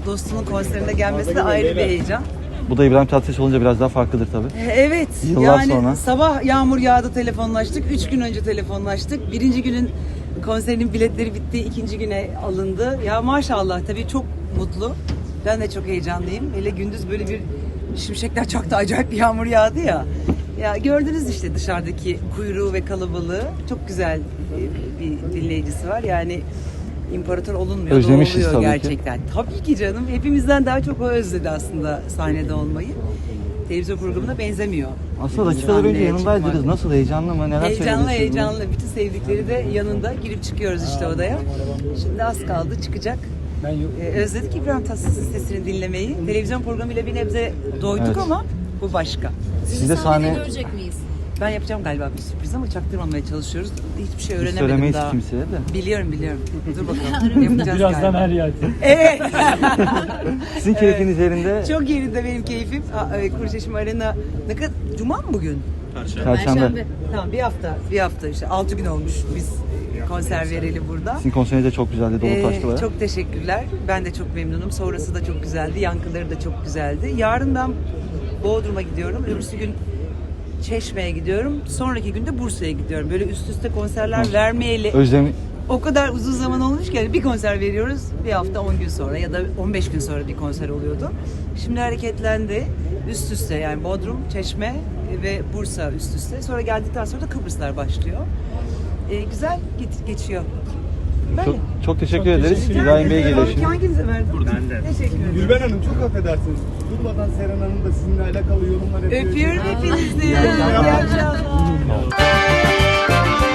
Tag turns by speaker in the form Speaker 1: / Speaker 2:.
Speaker 1: dostunun konserine gelmesi de ayrı bir heyecan.
Speaker 2: Bu da İbrahim Tatlıses olunca biraz daha farklıdır tabii.
Speaker 1: Evet.
Speaker 2: Yıllar
Speaker 1: yani
Speaker 2: sonra.
Speaker 1: sabah yağmur yağdı, telefonlaştık. 3 gün önce telefonlaştık. Birinci günün konserinin biletleri bitti. İkinci güne alındı. Ya maşallah tabii çok mutlu. Ben de çok heyecanlıyım. Hele gündüz böyle bir şimşekler çaktı. Acayip bir yağmur yağdı ya. Ya gördünüz işte dışarıdaki kuyruğu ve kalabalığı. Çok güzel bir dinleyicisi var. Yani imparator olunmuyor.
Speaker 2: Özlemişiz
Speaker 1: oluyor
Speaker 2: tabii
Speaker 1: gerçekten. Tabii ki canım. Hepimizden daha çok o özledi aslında sahnede olmayı. Televizyon programına benzemiyor.
Speaker 2: Aslında dakikalar önce
Speaker 1: Sahneye
Speaker 2: yanındaydınız.
Speaker 1: çıkmak.
Speaker 2: Nasıl, heyecanlı mı? Neler
Speaker 1: Heyecanlı
Speaker 2: söylüyorsunuz?
Speaker 1: heyecanlı. Bütün sevdikleri de yanında. Girip çıkıyoruz işte odaya. Şimdi az kaldı çıkacak. Özledik İbrahim Tatlıses'in sesini dinlemeyi. Televizyon programıyla bir nebze doyduk
Speaker 2: Evet.
Speaker 1: ama bu başka.
Speaker 2: Siz de
Speaker 3: sahnede
Speaker 2: sahne
Speaker 3: görecek miyiz?
Speaker 1: Ben yapacağım galiba bir sürpriz ama çaktırmamaya çalışıyoruz. Hiçbir şey öğrenemedim
Speaker 2: söylemeyiz
Speaker 1: daha.
Speaker 2: kimseye de.
Speaker 1: Biliyorum. Dur bakalım. Yapacağız
Speaker 4: Birazdan
Speaker 1: galiba.
Speaker 4: her yer.
Speaker 1: Evet.
Speaker 2: Sizin keyfiniz yerinde.
Speaker 1: Çok yerinde benim keyfim. Kurşeşim Arena. Ne kadar? Cuma mı bugün?
Speaker 2: Perşembe.
Speaker 1: Tamam bir hafta işte 6 gün olmuş biz konser verelim burada.
Speaker 2: Sizin konseriniz de çok güzeldi. Dolu taşlı bayağı.
Speaker 1: Çok teşekkürler. Ben de çok memnunum. Sonrası da çok güzeldi. Yankıları da çok güzeldi. Yarın ben Bodrum'a gidiyorum. Öbürsü gün Çeşme'ye gidiyorum. Sonraki gün de Bursa'ya gidiyorum. Böyle üst üste konserler vermeyeli
Speaker 2: Özlem
Speaker 1: o kadar uzun zaman olmuş ki bir konser veriyoruz. Bir hafta 10 gün sonra ya da 15 gün sonra bir konser oluyordu. Şimdi hareketlendi. Üst üste yani Bodrum, Çeşme ve Bursa üst üste. Sonra geldikten sonra da Kıbrıslar başlıyor. Güzel geçiyor. Böyle.
Speaker 2: çok teşekkür ederiz.
Speaker 4: teşekkür
Speaker 2: İbrahim Bey geliyor
Speaker 1: Abi,
Speaker 2: şimdi.
Speaker 1: hanginize verdim?
Speaker 5: Ben de.
Speaker 1: Teşekkür ederim.
Speaker 5: Gülben Hanım çok affedersiniz. Durmadan Seren Hanım da sizinle alakalı yorumlar yapıyor.
Speaker 1: Öpüyorum hepinizi. İyi
Speaker 5: akşamlar.
Speaker 1: akşamlar.